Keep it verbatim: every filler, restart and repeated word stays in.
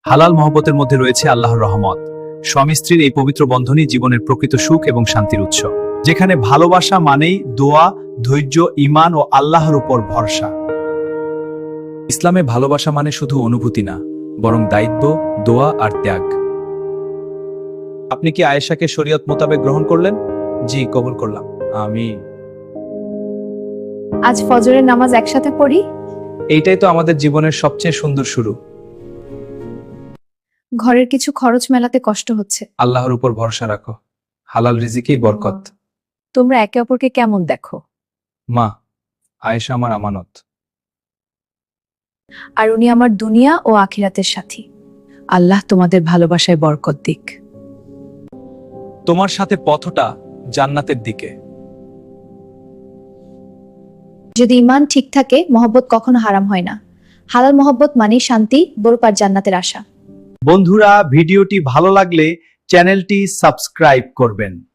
হালাল মহব্বতের মধ্যে রয়েছে আল্লাহর রহমত। স্বামী স্ত্রীর এই পবিত্র বন্ধনই জীবনের প্রকৃত সুখ এবং শান্তির উৎস, যেখানে ভালোবাসা মানেই দোয়া, ধৈর্য, ঈমান ও আল্লাহর উপর ভরসা। ইসলামে ভালোবাসা মানে শুধু অনুভূতি না, বরং দায়িত্ব, দোয়া আর ত্যাগ। আপনি কি আয়েশাকে শরীয়ত মোতাবেক গ্রহণ করলেন? জি, কবুল করলাম। আমি আজ ফজরের নামাজ একসাথে পড়ি। এইটাই তো আমাদের জীবনের সবচেয়ে সুন্দর শুরু। ঘরের কিছু খরচ মেলাতে কষ্ট হচ্ছে। আল্লাহর উপর ভরসা রাখো, হালাল রিজিকেই বরকত। তোমরা একে অপরকে কেমন দেখো? মা, আয়েশা আমার আমানত। আর উনি আমার দুনিয়া ও আখিরাতের সাথী। আল্লাহ তোমাদের ভালোবাসায় বরকত দিক। তোমার সাথে পথটা জান্নাতের দিকে। যদি ঈমান ঠিক থাকে, মহব্বত কখনো হারাম হয় না। হালাল মহব্বত মানেই শান্তি, বরকত আর জান্নাতের আশা। বন্ধুরা, ভিডিওটি ভালো লাগলে চ্যানেলটি সাবস্ক্রাইব করবেন।